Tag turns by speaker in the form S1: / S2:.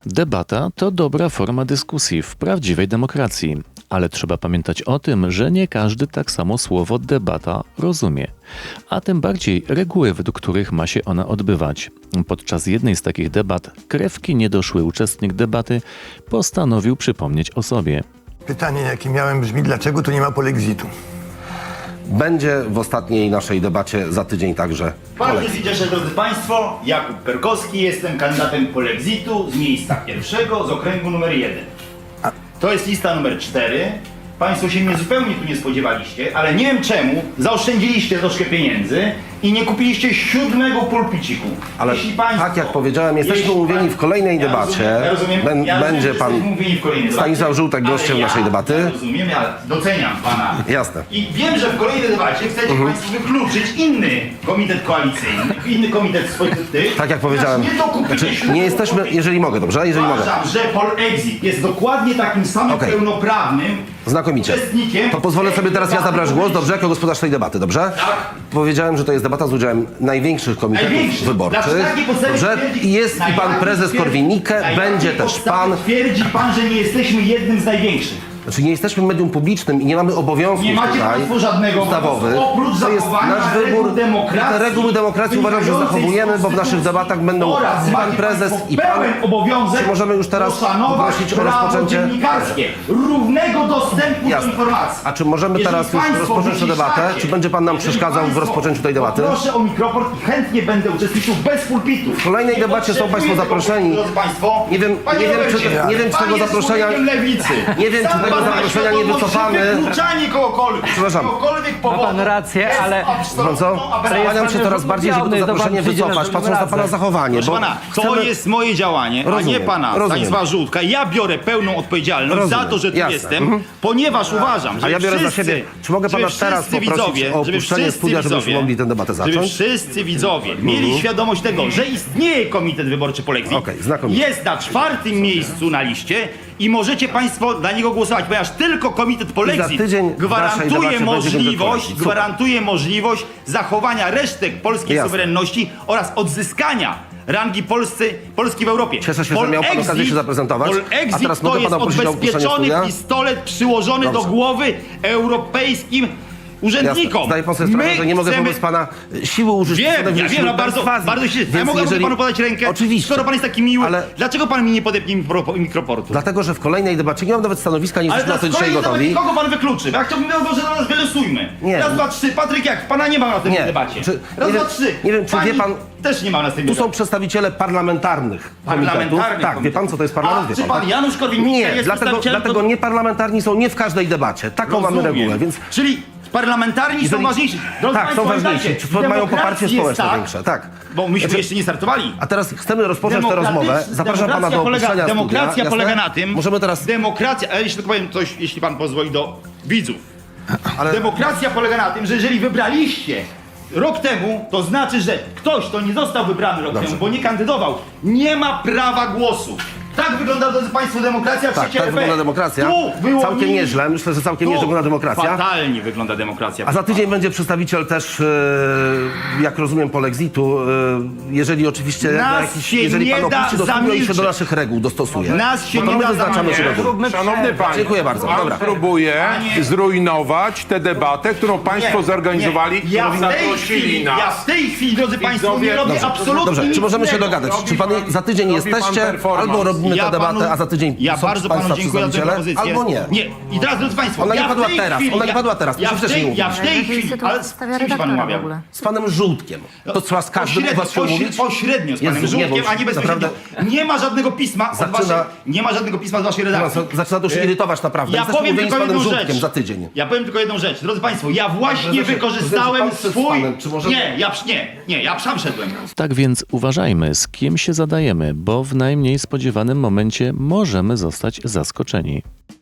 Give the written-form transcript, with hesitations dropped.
S1: Debata to dobra forma dyskusji w prawdziwej demokracji, ale trzeba pamiętać o tym, że nie każdy tak samo słowo debata rozumie, a tym bardziej reguły, według których ma się ona odbywać. Podczas jednej z takich debat krewki niedoszły uczestnik debaty postanowił przypomnieć o sobie.
S2: Pytanie, jakie miałem, brzmi: dlaczego tu nie ma polexitu?
S3: Będzie w ostatniej naszej debacie za tydzień także.
S4: Bardzo się cieszę, drodzy Państwo. Jakub Perkowski, jestem kandydatem polexitu z miejsca pierwszego, z okręgu numer 1. To jest lista numer 4. Państwo się mnie zupełnie tu nie spodziewaliście, ale nie wiem czemu zaoszczędziliście troszkę pieniędzy i nie kupiliście 7. pulpiciku.
S3: Ale tak jak powiedziałem, jesteśmy umówieni w kolejnej debacie. Będzie pan Stanisław Żółtek gościem naszej debaty.
S4: Ja rozumiem, ja doceniam pana.
S3: Jasne.
S4: I wiem, że w kolejnej debacie chcecie Państwo wykluczyć inny komitet koalicyjny, inny komitet swoich tych.
S3: Tak jak powiedziałem, nie jesteśmy, jeżeli mogę, dobrze? Jeżeli mogę.
S4: Uważam, że Polexit jest dokładnie takim samym pełnoprawnym
S3: Znakomicie.
S4: uczestnikiem.
S3: To pozwolę sobie teraz ja zabrać głos, dobrze? Jako gospodarz tej debaty, dobrze?
S4: Tak.
S3: Powiedziałem, że to jest debata z udziałem największych komitetów wyborczych. Dobrze? I jest i pan prezes Korwin-Mikke, będzie też pan.
S4: Twierdzi pan, że nie jesteśmy jednym z największych.
S3: Znaczy nie jesteśmy medium publicznym i nie mamy obowiązków
S4: Nie macie
S3: tutaj
S4: państwo żadnego
S3: ustawowych.
S4: oprócz
S3: To jest
S4: zachowania
S3: nasz
S4: reguł
S3: wybór.
S4: demokracji,
S3: Te reguły demokracji uważam, że zachowujemy, bo w naszych debatach będą
S4: oraz
S3: pan
S4: macie
S3: prezes
S4: państwo
S3: i pan.
S4: pełen obowiązek
S3: Czy możemy już teraz
S4: poszanować
S3: poprosić o
S4: prawo
S3: rozpoczęcie?
S4: dziennikarskie, równego dostępu do
S3: Jasne.
S4: informacji.
S3: A czy możemy
S4: Jeżeli
S3: teraz już
S4: państwo
S3: rozpocząć tę debatę?
S4: wyciszacie,
S3: Czy będzie pan nam
S4: jeżeli
S3: przeszkadzał w
S4: państwo
S3: rozpoczęciu tej debaty?
S4: Proszę o mikrofon i chętnie będę uczestniczył bez pulpitu.
S3: W kolejnej
S4: Nie
S3: debacie są państwo
S4: potrzebuję tego
S3: zaproszeni.
S4: pulpitu, drodzy państwo.
S3: Nie wiem,
S4: Panie Robercie,
S3: nie wiem, czy
S4: pan
S3: tego
S4: jest
S3: zaproszenia-
S4: człowiekiem lewicy.
S3: nie wiem, czy
S4: Sam
S3: tego
S4: pan ma
S3: zaproszenia nie
S4: świadomość,
S3: wycofamy.
S4: że wykluczanie kogokolwiek,
S3: Przepraszam.
S4: kogokolwiek powodu
S5: pan rację,
S4: jest
S5: ale-
S4: absolutną
S3: Co?
S4: aberracją.
S3: Skłaniam się coraz bardziej, żeby to zaproszenie wycofać, patrząc na pana zachowanie.
S4: Proszę
S3: Bo
S4: pana, to
S3: chcemy-
S4: jest moje działanie, a
S3: Rozumiem,
S4: nie pana
S3: rozumiem.
S4: Stanisława Żółtka. Ja biorę pełną odpowiedzialność
S3: Rozumiem,
S4: za to, że tu
S3: jasne.
S4: jestem, ponieważ uważam, że
S3: A ja biorę za siebie. Czy mogę pana teraz poprosić o opuszczenie studia, żebyśmy mogli tę debatę
S4: żeby
S3: zacząć?
S4: wszyscy widzowie mieli świadomość tego, że istnieje Komitet Wyborczy Polexit.
S3: Okej, znakomicie.
S4: Jest na 4. miejscu na liście i możecie państwo dla niego głosować, ponieważ tylko Komitet Polexit
S3: tydzień w naszej debacie będzie
S4: gwarantuje możliwość zachowania resztek polskiej
S3: Jasne.
S4: suwerenności oraz odzyskania rangi Polski w Europie.
S3: Cieszę się, że miał pan okazję się zaprezentować.
S4: Polexit
S3: A teraz mogę
S4: to jest
S3: pana prosić o opuszczenie
S4: odbezpieczony
S3: studia?
S4: pistolet przyłożony do
S3: Dobrze.
S4: głowy europejskim urzędnikom.
S3: Jasne. Zdaję pan sobie sprawę, że nie mogę wobec pana siły użyć.
S4: Wiem, ja
S3: stanowisk
S4: wiem, no bardzo się... Ja
S3: Więc
S4: mogę
S3: jeżeli-
S4: panu podać rękę,
S3: Oczywiście.
S4: skoro pan jest taki miły.
S3: Ale-
S4: Dlaczego pan mi nie podepnie mikroportu?
S3: Dlatego, że w kolejnej debacie nie mam nawet stanowiska, nie
S4: Ale
S3: jesteśmy na to dzisiaj
S4: nawet
S3: gotowi.
S4: kogo pan wykluczy? Ja chciałbym, że na nas wylosujmy.
S3: Nie.
S4: Raz, dwa, trzy. Patryk, jak? Pana nie ma na tej
S3: Nie.
S4: debacie.
S3: Czy-
S4: Raz,
S3: nie
S4: dwa,
S3: wiem-
S4: trzy.
S3: nie wiem, czy
S4: Pani
S3: wie pan-
S4: też nie ma na tej
S3: Tu są
S4: debacie.
S3: przedstawiciele parlamentarnych komitetów. Tak, wie pan, co to jest parlament?
S4: A
S3: Wie
S4: czy pan Janusz Korwin-Mikke
S3: Nie,
S4: jest
S3: dlatego
S4: przedstawicielem...
S3: nieparlamentarni są nie w każdej debacie. Taką mamy
S4: Rozumiem.
S3: regułę, więc
S4: Czyli parlamentarni są ważniejsi. Drodzy
S3: tak,
S4: państwo,
S3: są ważniejsi.
S4: pamiętajcie,
S3: Czy mają
S4: demokracji
S3: poparcie
S4: jest
S3: społeczne
S4: tak,
S3: większe, tak.
S4: Bo myśmy
S3: Znaczy-
S4: jeszcze nie startowali.
S3: A teraz chcemy rozpocząć tę rozmowę. Zapraszam pana do opuszczenia
S4: Demokracja
S3: studia.
S4: polega
S3: Jasne?
S4: na tym...
S3: Możemy teraz...
S4: Demokracja, ale jeśli tylko powiem coś, jeśli pan pozwoli, do widzów.
S3: Ale...
S4: Demokracja polega na tym, że jeżeli wybraliście rok temu, to znaczy, że ktoś, kto nie został wybrany rok temu, bo nie kandydował, nie ma prawa głosu. Tak wygląda, drodzy państwo, demokracja w
S3: Tak,
S4: świecie
S3: tak
S4: RP.
S3: wygląda demokracja.
S4: Tu wyłonili-
S3: Całkiem nieźle. Myślę, że całkiem nieźle wygląda demokracja.
S4: Fatalnie wygląda demokracja.
S3: A za tydzień będzie przedstawiciel też, jak rozumiem, Polexitu. Jeżeli oczywiście, jeżeli pan opuści do studia i się do naszych reguł dostosuje.
S4: Nas się
S3: Bo to
S4: nie
S3: my
S4: da
S3: wyznaczamy się
S4: zamknąć.
S6: Szanowny panie,
S3: Dziękuję bardzo.
S6: Pan
S3: Dobra.
S6: próbuje zrujnować tę debatę, którą państwo zorganizowali,
S4: Ja
S6: zaprosili nas.
S4: w tej chwili, drodzy państwo, nie robię
S6: Dobrze,
S4: absolutnie
S3: Dobrze,
S4: nic
S3: czy możemy się
S4: innego.
S3: dogadać? Czy pan za tydzień
S6: robi pan
S3: jesteście,
S6: performance.
S3: albo robimy
S4: Ja
S3: tę debatę,
S4: panu-
S3: a za tydzień
S4: Ja
S3: są
S4: bardzo
S3: państwa
S4: panu dziękuję za tę
S3: przedstawiciele,
S4: propozycję.
S3: albo nie.
S4: Nie. I teraz, drodzy państwo,
S3: Ona nie
S4: ja w
S3: padła
S4: tej
S3: teraz,
S4: chwili,
S3: ona nie padła teraz,
S4: Ja
S3: my
S4: w
S3: też
S4: tej,
S3: nie
S4: ja w tej
S7: Jakiej
S4: chwili,
S7: sytuacji
S4: ale z
S7: stawia
S4: kimś pan
S7: redaktora w
S4: umawiał?
S7: ogóle?
S3: Z panem Żółtkiem. To trzeba z każdym z was się umówić?
S4: Pośrednio z panem
S3: Jezu, nie, bo
S4: Żółkiem, a nie bezpośrednio. Nie ma żadnego pisma od
S3: Zaczyna-
S4: nie ma żadnego pisma z waszej redakcji.
S3: Zaczyna to już irytować naprawdę.
S4: Ja
S3: Jesteśmy
S4: powiem
S3: umówieni z
S4: tylko
S3: panem
S4: jedną
S3: Żółtkiem
S4: rzecz.
S3: za tydzień.
S4: Ja powiem tylko jedną rzecz. Drodzy państwo, ja właśnie
S3: Prezesie,
S4: wykorzystałem
S3: pan przed
S4: swój...
S3: panem, czy możemy-
S4: Nie, ja sam szedłem.
S1: Tak więc uważajmy, z kim się zadajemy, bo w najmniej spodziewanym momencie możemy zostać zaskoczeni.